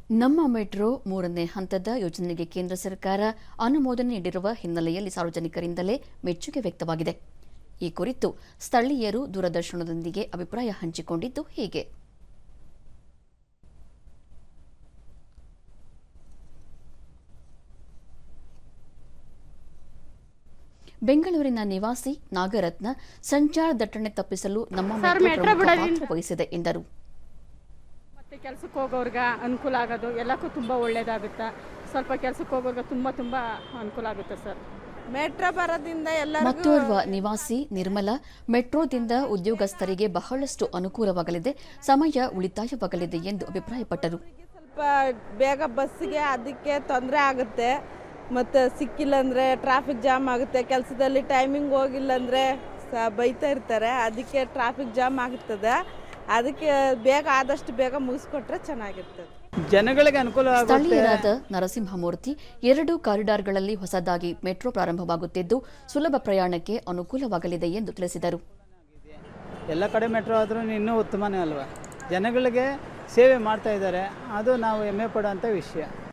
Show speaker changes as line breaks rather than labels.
ನಮ್ಮ ಮೆಟ್ರೋ ಮೂರನೇ ಹಂತದ ಯೋಜನೆಗೆ ಕೇಂದ್ರ ಸರ್ಕಾರ ಅನುಮೋದನೆ ನೀಡಿರುವ ಹಿನ್ನೆಲೆಯಲ್ಲಿ ಸಾರ್ವಜನಿಕರಿಂದಲೇ ಮೆಚ್ಚುಗೆ ವ್ಯಕ್ತವಾಗಿದೆ. ಈ ಕುರಿತು ಸ್ಥಳೀಯರು ದೂರದರ್ಶನದೊಂದಿಗೆ ಅಭಿಪ್ರಾಯ ಹಂಚಿಕೊಂಡಿದ್ದು ಹೀಗೆ. ಬೆಂಗಳೂರಿನ ನಿವಾಸಿ ನಾಗರತ್ನ ಸಂಚಾರ ದಟ್ಟಣೆ ತಪ್ಪಿಸಲು ನಮ್ಮ ಮೆಟ್ರೋ ಪಾತ್ರ ವಹಿಸಿದೆ ಎಂದರು.
ಮತ್ತೆ ಕೆಲಸಕ್ಕೆ ಹೋಗೋರ್ಗ ಅನುಕೂಲ ಆಗೋದು ಎಲ್ಲಕ್ಕೂ ತುಂಬ ಒಳ್ಳೇದಾಗುತ್ತೆ. ಸ್ವಲ್ಪ ಕೆಲಸಕ್ಕೆ ಹೋಗೋರ್ಗ ತುಂಬ ಅನುಕೂಲ ಆಗುತ್ತೆ ಸರ್.
ಮೆಟ್ರೋ ಬರೋದ್ರಿಂದ ಎಲ್ಲ.
ಮತ್ತೋರ್ವ ನಿವಾಸಿ ನಿರ್ಮಲಾ, ಮೆಟ್ರೋದಿಂದ ಉದ್ಯೋಗಸ್ಥರಿಗೆ ಬಹಳಷ್ಟು ಅನುಕೂಲವಾಗಲಿದೆ, ಸಮಯ ಉಳಿತಾಯವಾಗಲಿದೆ ಎಂದು ಅಭಿಪ್ರಾಯಪಟ್ಟರು.
ಸ್ವಲ್ಪ ಬೇಗ ಬಸ್ಸಿಗೆ ಅದಕ್ಕೆ ತೊಂದರೆ ಆಗುತ್ತೆ, ಮತ್ತು ಸಿಕ್ಕಿಲ್ಲ ಅಂದರೆ ಟ್ರಾಫಿಕ್ ಜಾಮ್ ಆಗುತ್ತೆ. ಕೆಲಸದಲ್ಲಿ ಟೈಮಿಂಗ್ ಹೋಗಿಲ್ಲ ಅಂದರೆ ಬೈತಾ ಇರ್ತಾರೆ, ಅದಕ್ಕೆ ಟ್ರಾಫಿಕ್ ಜಾಮ್ ಆಗುತ್ತದೆ. ಅದಕ್ಕೆ ಆದಷ್ಟು ಬೇಗ ಮುಗಿಸ್ಕೊಟ್ರೆ ಚೆನ್ನಾಗಿರ್ತದೆ,
ಜನಗಳಿಗೆ ಅನುಕೂಲ.
ಸ್ಥಳೀಯರಾದ ನರಸಿಂಹಮೂರ್ತಿ, 2 ಕಾರಿಡಾರ್ಗಳಲ್ಲಿ ಹೊಸದಾಗಿ ಮೆಟ್ರೋ ಪ್ರಾರಂಭವಾಗುತ್ತಿದ್ದು ಸುಲಭ ಪ್ರಯಾಣಕ್ಕೆ ಅನುಕೂಲವಾಗಲಿದೆ ಎಂದು ತಿಳಿಸಿದರು.
ಎಲ್ಲ ಕಡೆ ಮೆಟ್ರೋ ಆದ್ರೂ ಇನ್ನೂ ಉತ್ತಮನೇ ಅಲ್ವಾ, ಜನಗಳಿಗೆ ಸೇವೆ ಮಾಡ್ತಾ ಇದ್ದಾರೆ, ಅದು ನಾವು ಹೆಮ್ಮೆ ಪಡುವಂಥ ವಿಷಯ.